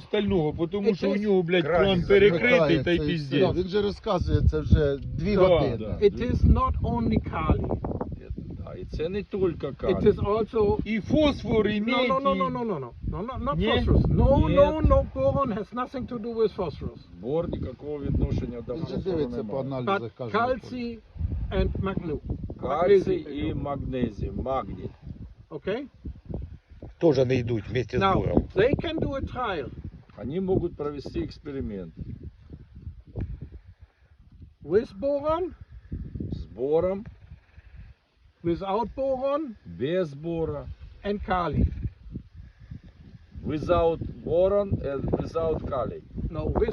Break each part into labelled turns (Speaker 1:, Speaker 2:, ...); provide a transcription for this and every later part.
Speaker 1: остального, тому що у нього, блядь, план перекритий та й піздець.
Speaker 2: Він же розказує, це вже 2 години.
Speaker 3: It is not only kali.
Speaker 4: І це не тільки
Speaker 3: It
Speaker 4: калій.
Speaker 3: is also
Speaker 1: І фосфор, і медь.
Speaker 3: Not
Speaker 1: Нет.
Speaker 3: phosphorus.
Speaker 4: Нет.
Speaker 3: No, boron has nothing to do with phosphorus.
Speaker 4: Бор ніякого відношення до
Speaker 2: Він же
Speaker 4: фосфору
Speaker 2: дивиться по
Speaker 4: немає.
Speaker 3: But
Speaker 2: аналізах, каже.
Speaker 3: calci and magnesium.
Speaker 4: Кальцій і магнезій, магній.
Speaker 3: Okay?
Speaker 5: Тоже не йдуть вместе з
Speaker 3: Now,
Speaker 5: буром.
Speaker 3: they can do a trial
Speaker 4: Вони можуть провести експеримент
Speaker 3: with boron,
Speaker 4: з бором,
Speaker 3: without boron,
Speaker 4: без бора,
Speaker 3: and kali.
Speaker 4: without boron and without kali.
Speaker 3: No, with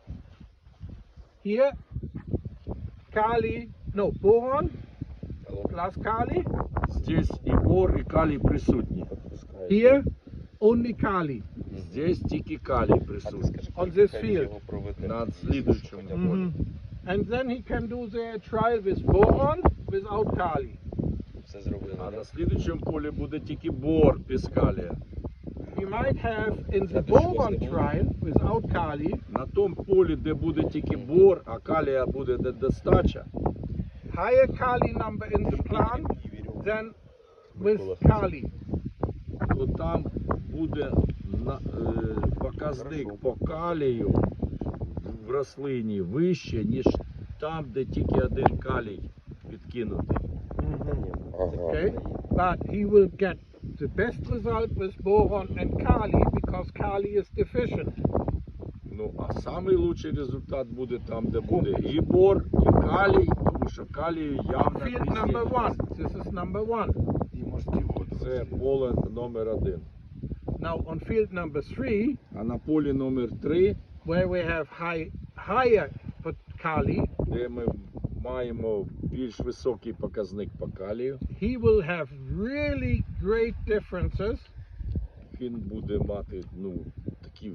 Speaker 3: here, kali, no, boron plus kali.
Speaker 4: Здесь і бор, і калій присутні.
Speaker 3: Here, only kali
Speaker 4: Здесь тільки калій присутній.
Speaker 3: on this field.
Speaker 4: На слідуючому полі.
Speaker 3: And then he can do the trial with boron without kali.
Speaker 4: А на слідуючому полі буде тільки бор без калія.
Speaker 3: We might have in the boron trial without kali
Speaker 4: На тому полі, де буде тільки бор, а калія буде недостача,
Speaker 3: higher kali number in the plant than with kali.
Speaker 4: то там буде показник по калію в рослині вище, ніж там, де тільки один калій підкинутий.
Speaker 3: Okay, but he will get the best result with boron and kali because kali is deficient.
Speaker 4: Ну, а самий лучший результат буде там, де буде і бор, і калій, тому що калію явно
Speaker 3: Field number one. This is number one.
Speaker 4: Це поле номер 1.
Speaker 3: Now on field number three,
Speaker 4: А на полі номер 3,
Speaker 3: where we have higher kali,
Speaker 4: де ми маємо більш високий показник по калію,
Speaker 3: he will have really great differences
Speaker 4: він буде мати такі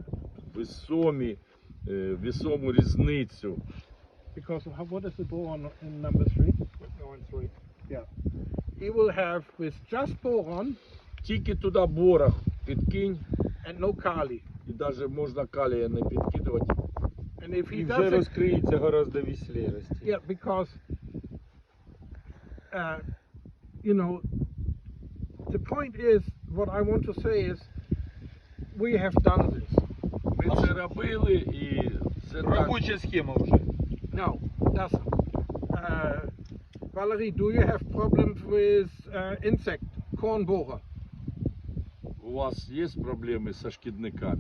Speaker 4: весому різницю.
Speaker 3: because what is the boron in number three? Yeah. He will have with just boron
Speaker 4: Тільки туди бора підкинь,
Speaker 3: and no kali.
Speaker 4: і навіть можна калія не підкидувати.
Speaker 3: And if he
Speaker 1: І вже
Speaker 3: does it,
Speaker 1: розкриється гораздо веселіше рости.
Speaker 3: yeah, because you know, the point is, what I want to say is, we have done this.
Speaker 4: Ми це робили, і це так.
Speaker 1: Робоча схема вже.
Speaker 3: Now, Valerie, do you have problems with insect, corn borer?
Speaker 4: У вас є проблеми зі шкідниками?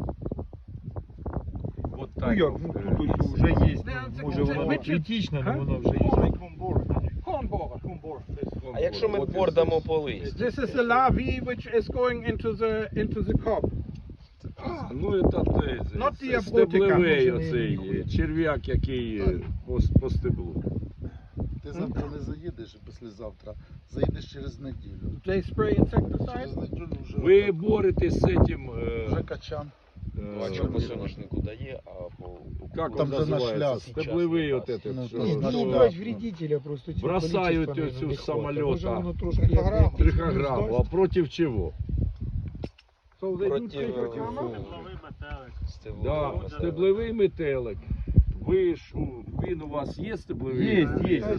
Speaker 4: От
Speaker 1: Ну
Speaker 4: так.
Speaker 1: як, тут ось вже є,
Speaker 3: це
Speaker 1: може воно критично, але воно вже є.
Speaker 3: Corn borer.
Speaker 5: А якщо ми бор дамо по листю?
Speaker 3: This is the larvae which is going into the cob.
Speaker 4: Ну,
Speaker 3: Not
Speaker 4: це
Speaker 3: diabolica.
Speaker 4: стеблевий оцей черв'як, який по стеблу.
Speaker 2: Ти завтра не заїдеш, а післязавтра заїдеш через неділю.
Speaker 3: They spray insecticide.
Speaker 2: Через неділю вже,
Speaker 4: Ви боретесь з цим,
Speaker 2: вже качан.
Speaker 5: Бачу, по соняшнику дає, а по...
Speaker 4: як
Speaker 2: Там
Speaker 4: він
Speaker 2: же наш
Speaker 4: називається?
Speaker 2: ляс.
Speaker 4: Стеблевий
Speaker 5: Час,
Speaker 4: от этот,
Speaker 2: ну,
Speaker 4: що-
Speaker 2: там
Speaker 4: що-
Speaker 2: наш
Speaker 1: Ну,
Speaker 2: ляс.
Speaker 1: брать вредителя просто. цього
Speaker 4: Бросають
Speaker 1: количества,
Speaker 4: оцю
Speaker 1: наверное,
Speaker 4: з
Speaker 1: не хватить.
Speaker 4: самоліта.
Speaker 1: Може воно трошки як
Speaker 4: Трихограмму. А проти чого?
Speaker 3: So they do
Speaker 5: Проти
Speaker 3: trichogramma.
Speaker 4: Да, стеблевий метелик. Ви ж, він у вас є стеблевий?
Speaker 1: Є.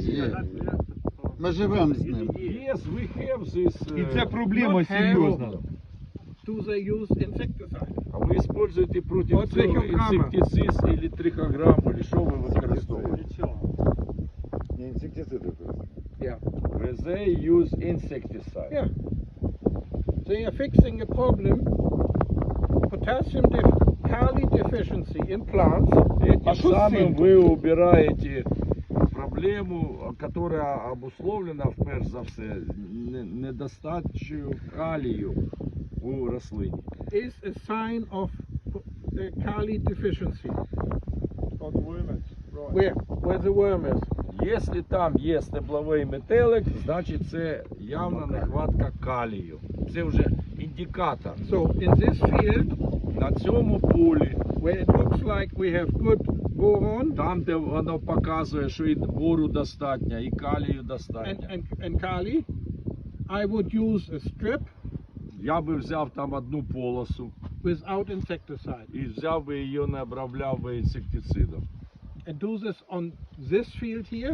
Speaker 2: Ми живемо з ним.
Speaker 4: Є, ви have this.
Speaker 1: І це проблема
Speaker 3: Not
Speaker 1: серйозна.
Speaker 3: Do they use insecticide?
Speaker 4: А ви використовуєте проти
Speaker 3: От
Speaker 4: цього
Speaker 3: трихограма.
Speaker 4: інсектицид або трихограмму, або що ви використовуєте?
Speaker 3: Yeah.
Speaker 4: They use insecticide.
Speaker 3: Yeah. They are fixing a problem, kali deficiency in plants.
Speaker 4: Этим
Speaker 1: что с
Speaker 4: самым
Speaker 1: этим?
Speaker 4: вы убираете проблему, которая обусловлена, вперше за все, недостачею калію у рослині.
Speaker 3: Is a sign of kali deficiency. Where the worm is.
Speaker 4: Якщо там є стебловий метелик, значить це явна нехватка калію. Це вже індикатор.
Speaker 3: So in this field,
Speaker 4: На цьому полі,
Speaker 3: where it looks like we have good boron
Speaker 4: там, де воно показує, що і бору достатньо, і калію достатньо,
Speaker 3: and kali, I would use a strip
Speaker 4: я би взяв там одну полосу,
Speaker 3: without insecticide.
Speaker 4: І взяв би її, не обробляв би інсектицидом.
Speaker 3: And do this on this field here,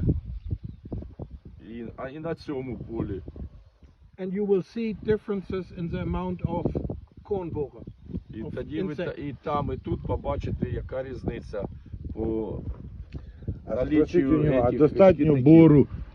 Speaker 4: І на цьому полі.
Speaker 3: and you will see differences in the amount of corn borer.
Speaker 4: І
Speaker 3: Of
Speaker 4: тоді ви
Speaker 3: insect.
Speaker 4: і там, і тут побачите, яка різниця по
Speaker 1: А
Speaker 4: наліччю
Speaker 1: спросіть у нього, а
Speaker 4: этих
Speaker 1: достатньо
Speaker 4: шкідників.
Speaker 1: бору